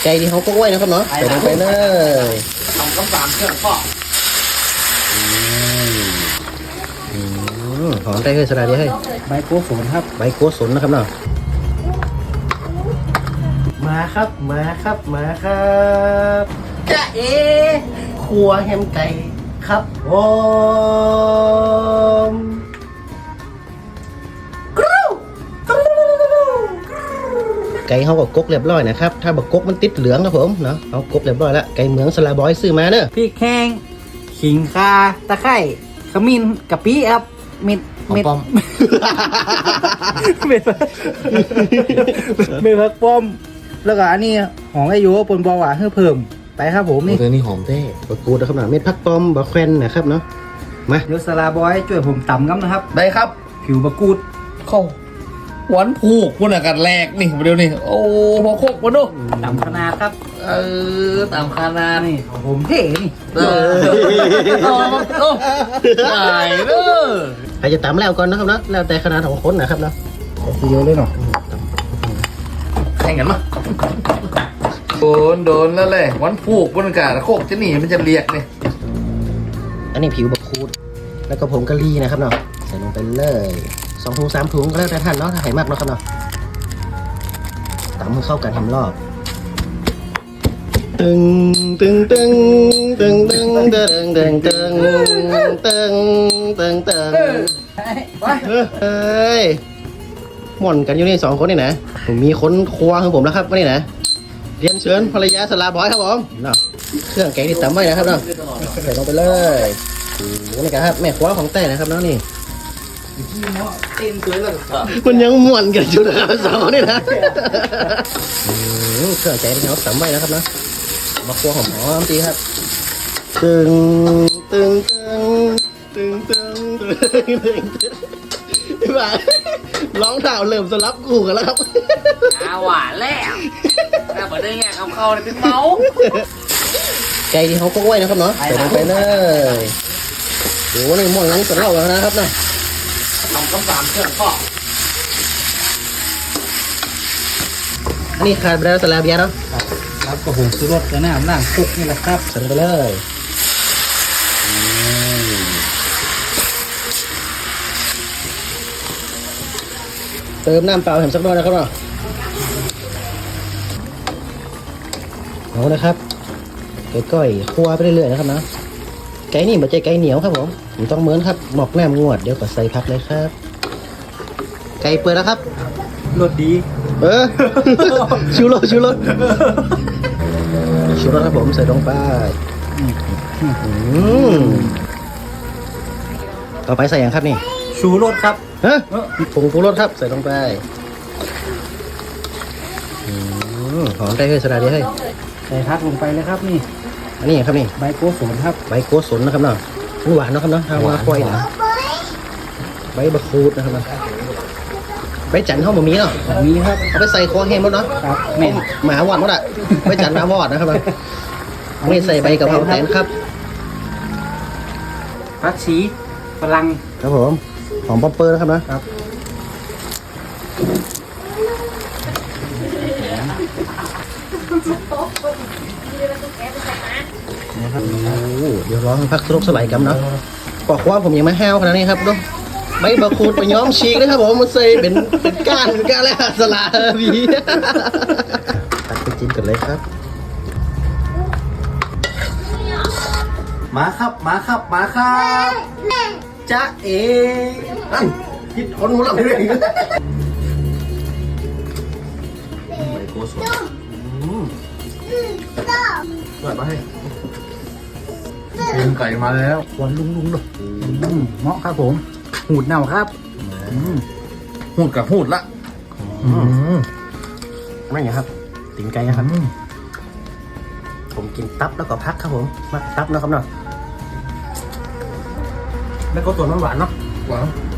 ก่ที่เขาก็ไว้นะครับเนาะใส่ลงไปเลยทำกำสามเครื่องก็หอมได้เลยสลัดดีให้ใบโกสนครับใบโกสนนะครับเนาะมาครับจะครัวแฮมไก่ครับผมไก่เขาก็กกเรียบร้อยนะครับถ้าบักกกมันติดเหลืองครับผมเนาะเอากกเรียบร้อยแล้วไก่เหมืองสลาบอยซื้อมาเนอะพริกแห้งขิงข่าตะไคร้ขมิ้นกะปิครับเม็ดป้อมเม็ดผักป้อมแล้วก็อันนี้หอมไอโยปนบอหวานเพิ่มไปครับผมนี่ตัวนี้หอมเท่บะกูดนะครับเนาะเม็ดผักป้อมบะแควนนะครับเนาะมาเดี๋ยวสลาบอยช่วยผมตำกันนะครับได้ครับผิวบะกูดเข้าหวานผูกคุณอากาศแรกนี่เดี๋ยวนี้โอ้พอโคกมาดูตำขนาดครับตามคานานี่ของผมเท่นี่โอ้ใหญ่เด้อใครจะตำแล้วก่อนนะครับเนาะแล้วแต่ขนาดของคนนะครับเนาะเยอะเลยเนาะแข่งกันมั้ยโดนแล้วเลยหวานผูกบนอากาศโคกจะหนีมันจะเรียกเนี่ยอันนี้ผิวบะคูดแล้วก็ผงกะหรี่นะครับเนาะใส่ลงไปเลย2 ถุง 3 ถุงก็แล้วแต่ท่านเนาะถ้าใส่มากเนาะครับเนาะตำให้เข้ากันทำรอบตึงเฮ้ยหม่อนกันอยู่นี่2 คนนี่นะผมมีคนครัวของผมแล้วครับวันนี้นะเรียนเชิญภรรยาสลาบอยครับผมเนาะเครื่องแกงที่ตำไว้นะครับเนาะใส่ลงไปเลยโอ้โหนี่ครับแม่ครัวของแต่นะครับเนาะนี่มันยังม่วนกันอยู่นะครับ2นี่นะเครื่องแกงที่เขาตำไว้นะครับเนาะมาครัวหอมๆดีครับตึงพี่บ่าร้องเท้าเริ่มสลับกูกันแล้วครับหวานแล้วแต่เปิดได้ไงเข้าเลยเป็นเมาไก่ที่เขาก็ไว้นะครับเนาะใส่ลงไปเลยโอ้โหนี่ม่วนงั้นจะเล่ากันนะครับเนาะทำกำสามเครื่องก็อันนี้ขาดไปแล้วสลาเบียเนาะครับก็ผมซื้อรถกระน้ำนั่งคุกนี่แหละครับใส่ไปเลยเติมน้ำเปล่าแถมสักหน่อยนะครับเนาะเอาเลยครับก้อยคั่วไปเรื่อยๆนะครับนะไก่นี่มันจะไก่เหนียวครับผมต้องเหมือนครับหมอกแนมงวดเดี๋ยวก็ใส่ผักเลยครับไก่เปิดแล้วครับรสดีชูรสครับผมใส่ลงไปต่อไปใส่อย่างครับนี่ชูรสครับผงชูรสครับใส่ลงไปหอมได้เลยสลัดดีให้ใส่พักลงไปเลยครับนี่อันนี้ครับนี่ใบโกสนครับใบโกสนนะครับเนาะหวานเนาะครับเนาะทางว่าควายนะใบบะคูดนะครับใบจันทร์เข้ามามีเนาะมีครับเอาไปใส่คอแห้งหมดเนาะครับแม่หมาหวานหมดอ่ะใบจันทร์หมาวอดนะครับไม่ใส่ใบกะเพราแตนครับผักชีฝรั่งครับผมหอมป๊อปเปอร์นะครับนะครับนะครับเดี๋ยวร้องพักสลบสลายกันเนาะปอกว่าผมยังไม่แห้วขนาดนี้ครับดูใบบะคูดไปย้อมชีกนะครับผมมันใส่เป็นก้านแล้วสลาบีตัดไปจิ้มกันเลยครับมาครับจ๊ะนั่นคิดคนหัวหลังเลยใบโกสนเปิดมาให้กินไก่มาแล้วหวานลุงเลยเหมาะครับผมหูดเน่าครับหูดกับหูดละไม่ไงครับตีนไก่นะครับผมกินตับแล้วก็พักครับผมมาตับนะครับเนาะแล้วก็ตัวมันหวานเนาะหวาน